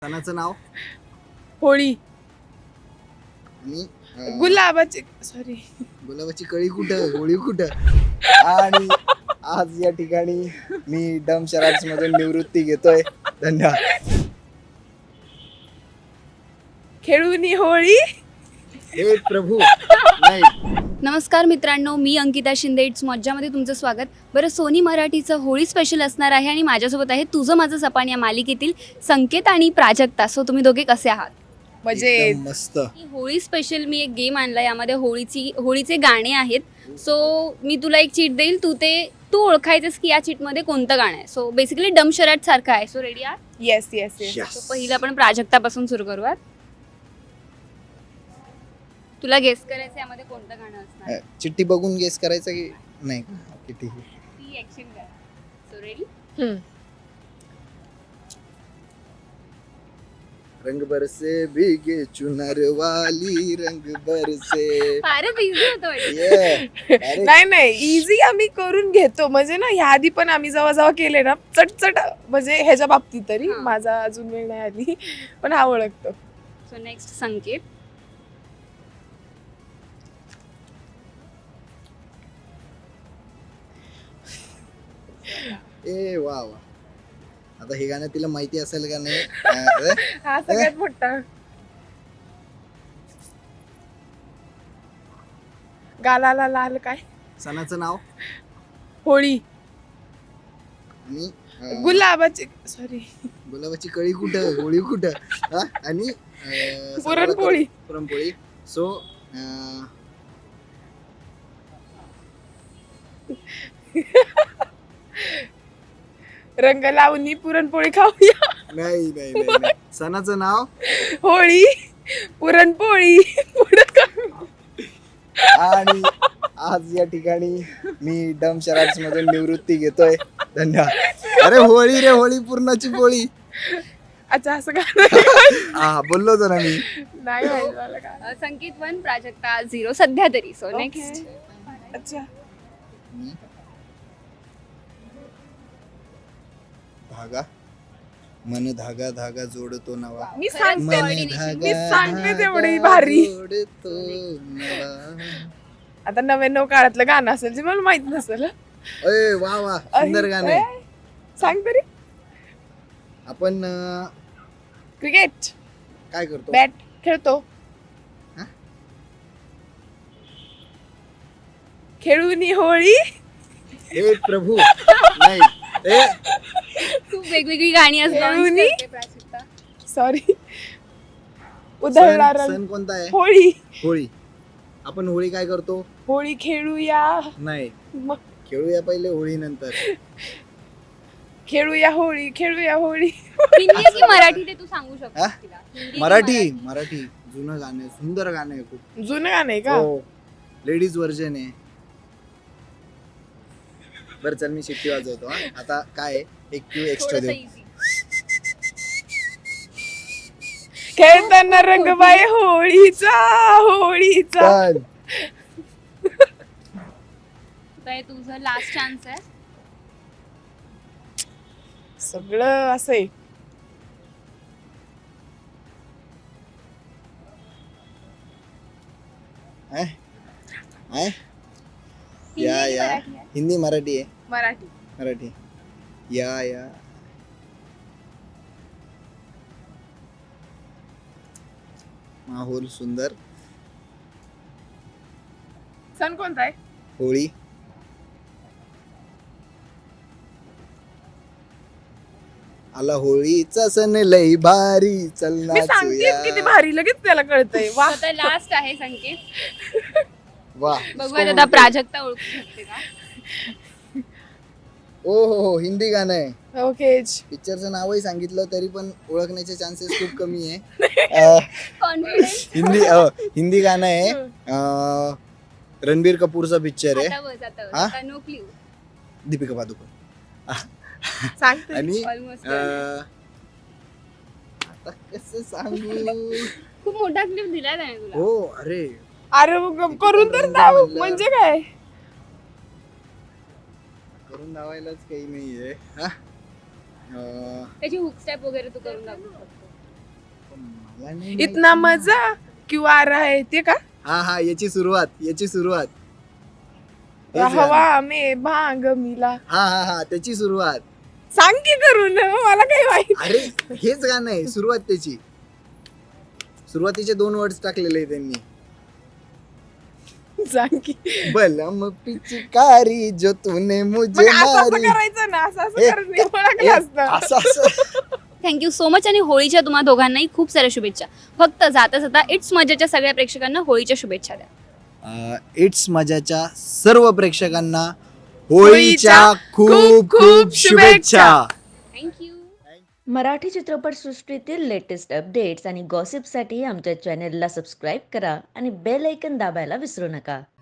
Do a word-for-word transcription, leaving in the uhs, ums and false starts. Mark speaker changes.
Speaker 1: सणाचं नाव
Speaker 2: होळी.
Speaker 1: आणि अं,
Speaker 2: गुलाबाची सॉरी
Speaker 1: गुलाबाची कळी कुठं, होळी कुठं. आणि आज या ठिकाणी मी डम शराब्स मधून निवृत्ती घेतोय. धन्यवाद.
Speaker 2: खेळून होळी.
Speaker 1: हे प्रभू नाही.
Speaker 3: नमस्कार मित्रांनो, मी अंकिता शिंदे. इट्स मज्जामध्ये तुमचं स्वागत. बरं, सोनी मराठीचं होळी स्पेशल असणार आहे आणि माझ्यासोबत आहे तुझं माझं सपान या मालिकेतील संकेत आणि प्राजक्ता. सो तुम्ही दोघे कसे आहात?
Speaker 2: म्हणजे
Speaker 1: एकदम मस्त.
Speaker 3: ही होळी स्पेशल मी एक गेम आणला, यामध्ये होळीची होळीचे गाणे आहेत. सो मी तुला एक चीट देईल, तू ते तू ओळखायचंस की या चीटमध्ये कोणतं गाणं आहे. सो बेसिकली डम शराट सारखं आहे. सो रेडी आहात?
Speaker 2: Yes yes yes
Speaker 1: Yes.
Speaker 3: So पहिलं आपण प्राजक्तापासून सुरू करूयात. तुला गेस करायचं यामध्ये कोणतं गाणं असणार?
Speaker 1: अं, चिठ्ठी बघून गेस करायचं की नाही? ओके, ठीक आहे.
Speaker 3: ती ऍक्शन कर. So ready?
Speaker 1: रंग बरसे भीगे चुनर वाली, रंग बरसे.
Speaker 3: फारच इझी होतं वाटतं.
Speaker 1: ये अरे
Speaker 2: नाही नाही इझी आम्ही करून घेतो. म्हणजे ना ह्या आधी पण आम्ही जेव्हा जेव्हा केले ना चटचट, म्हणजे ह्याच्या बाबतीत तरी
Speaker 3: हा.
Speaker 2: माझा अजून वेळ नाही आली, पण हा ओळखतो.
Speaker 3: सो नेक्स्ट संकेत.
Speaker 1: ए वा वा. आता हे गाणं तिला माहिती असेल का नाही? अं,
Speaker 2: हा सगळ्यात मोठा गालाला लाल काय
Speaker 1: सणाचं नाव
Speaker 2: होळी.
Speaker 1: आणि अं,
Speaker 2: गुलाबाची सॉरी
Speaker 1: गुलाबाची कळी कुठं, होळी कुठं. हा? आणि अं,
Speaker 2: पुरणपोळी.
Speaker 1: पुरणपोळी. सो
Speaker 2: रंग लावणी पुरणपोळी खाऊया.
Speaker 1: नाही नाही नाही नाही. सणाचं नाव
Speaker 2: होळी पुरणपोळी पुढं काय?
Speaker 1: आणि आज या ठिकाणी मी डम शराब्स मधून निवृत्ती घेतोय. धन्यवाद. अरे होळी रे, होळी पूर्णाची पोळी.
Speaker 2: अच्छा असं काय
Speaker 1: हा बोललो होतो ना मी.
Speaker 2: नाही माहिती मला काय.
Speaker 3: अ, संकेत वन, प्राजक्ता झिरो सध्या तरी. So next.
Speaker 2: अच्छा
Speaker 1: धागा मन धागा धागा जोडतो नवा.
Speaker 2: मी
Speaker 3: खरंच
Speaker 2: सांगते
Speaker 1: मन
Speaker 3: coordination.
Speaker 2: मी सांगते तेवढी
Speaker 1: धागा
Speaker 2: भारी.
Speaker 1: जोडतो नवा.
Speaker 2: आता नव्याण्णव काळातलं गाणं असेल जे मला माहित नसेल.
Speaker 1: अय वा वा, सुंदर गाणं आहे.
Speaker 2: सांग तरी.
Speaker 1: आपण अं,
Speaker 2: क्रिकेट
Speaker 1: काय करतो?
Speaker 2: बॅट खेळतो.
Speaker 1: हा?
Speaker 2: खेळून होळी.
Speaker 1: हे प्रभू नाही. ए
Speaker 3: खूप वेगवेगळी गाणी असतात.
Speaker 2: खेळूनी? सॉरी उधळला
Speaker 1: सण
Speaker 2: रंग.
Speaker 1: सण कोणता आहे?
Speaker 2: होळी.
Speaker 1: होळी. आपण होळी काय करतो?
Speaker 2: होळी खेळूया.
Speaker 1: नाही,
Speaker 2: मग
Speaker 1: खेळूया पहिले, होळी नंतर.
Speaker 2: खेळूया होळी खेळूया होळी.
Speaker 3: हिंदी की मराठी ते तू सांगू
Speaker 1: हा?
Speaker 3: शकतो तिला. हिंदी की
Speaker 1: मराठी मराठी जुनं गाणं आहे, सुंदर गाणं आहे खूप.
Speaker 2: जुनं गाणं आहे का?
Speaker 1: हो, लेडीज व्हर्जन आहे. बरं चल, मी शिट्टी वाजवतो. हा. आता काय आहे, एक क्यू एक्स्ट्रा
Speaker 3: थोडंसं
Speaker 1: देऊ.
Speaker 3: easy.
Speaker 2: खेळताना रंग बाय होळीचा होळीचा.
Speaker 1: पण
Speaker 3: तर हे तुझं लास्ट चान्स आहे.
Speaker 2: सगळं असं आहे.
Speaker 1: आहे? आहे?
Speaker 3: हिंदी
Speaker 1: या
Speaker 3: की
Speaker 1: या
Speaker 3: मराठी आहे?
Speaker 1: हिंदी मराठी आहे.
Speaker 2: मराठी.
Speaker 1: मराठी. या या माहोल सुंदर.
Speaker 2: सण कोणता आहे?
Speaker 1: होळी. आला होळीचा सण लई भारी, चल
Speaker 2: मी सांगते
Speaker 1: नाचूया.
Speaker 2: किती भारी, लगेच त्याला कळतंय. वा.
Speaker 3: आता लास्ट आहे संकेत.
Speaker 1: वा.
Speaker 3: बघूयात आता प्राजक्ता ओळखू शकते का.
Speaker 1: ओ हो हो, हिंदी गाणं आहे.
Speaker 2: ओके.
Speaker 1: पिक्चरचं नावही सांगितलं तरी पण ओळखण्याचे चान्सेस खूप कमी आहे. अं,
Speaker 3: कॉन्फिडन्स.
Speaker 1: हिंदी अं, हिंदी गाणं आहे. अं, रणबीर कपूरचा पिक्चर आहे.
Speaker 3: आता बस आता बस.
Speaker 1: हा?
Speaker 3: आता नो क्ल्यू.
Speaker 1: दीपिका पादुकोण.
Speaker 2: सांगते.
Speaker 1: आणि
Speaker 3: ऑलमोस्ट.
Speaker 1: अं, आता कसं सांगू.
Speaker 3: खूप मोठा क्लिप दिलाय त्याने तुला.
Speaker 1: हो अरे,
Speaker 2: अरे मग करून तर दाव. म्हणजे काय?
Speaker 1: करून दावायलाच काही नाहीये. हा? अं,
Speaker 3: त्याची हुक स्टेप वगैरे तू करून दाखवू शकतो.
Speaker 1: मला नाही
Speaker 2: इतना
Speaker 1: माहिती.
Speaker 2: मजा क्यों आ रहा है ते का
Speaker 1: हा हा याची सुरुवात याची सुरुवात हेच गाणं.
Speaker 2: हवा में भांग मिला.
Speaker 1: हा हा हा त्याची सुरुवात.
Speaker 2: सांग की करून मला काही माहित.
Speaker 1: अरे हेच गाणं आहे सुरुवात त्याची. सुरुवातीचे दोन वर्ड्स टाकलेले आहे त्यांनी.
Speaker 2: सांग की.
Speaker 1: बलम पिचकारी जो तूने
Speaker 2: मग
Speaker 1: मुझे
Speaker 2: असं असं
Speaker 1: मारी.
Speaker 2: करायचं ना असं असं
Speaker 1: ए,
Speaker 2: करून
Speaker 1: ए,
Speaker 2: ओळखलं असतं.
Speaker 1: असं असं
Speaker 3: थँक्यू सो मच आणि होळीच्या तुम्हा दोघांनाही खूप साऱ्या शुभेच्छा. फक्त जाता जाता इट्स मजाच्या सगळ्या प्रेक्षकांना होळीच्या शुभेच्छा द्या.
Speaker 1: इट्स मजाच्या सर्व प्रेक्षकांना
Speaker 2: होळीच्या
Speaker 1: होळीच्या खूप खूप शुभेच्छा.
Speaker 3: थँक्यू.
Speaker 4: मराठी चित्रपटसृष्टीतील लेटेस्ट अपडेट्स आणि गॉसिपसाठी आमच्या चॅनेलला सबस्क्राईब करा आणि बेल ऐकन दाबायला विसरू नका.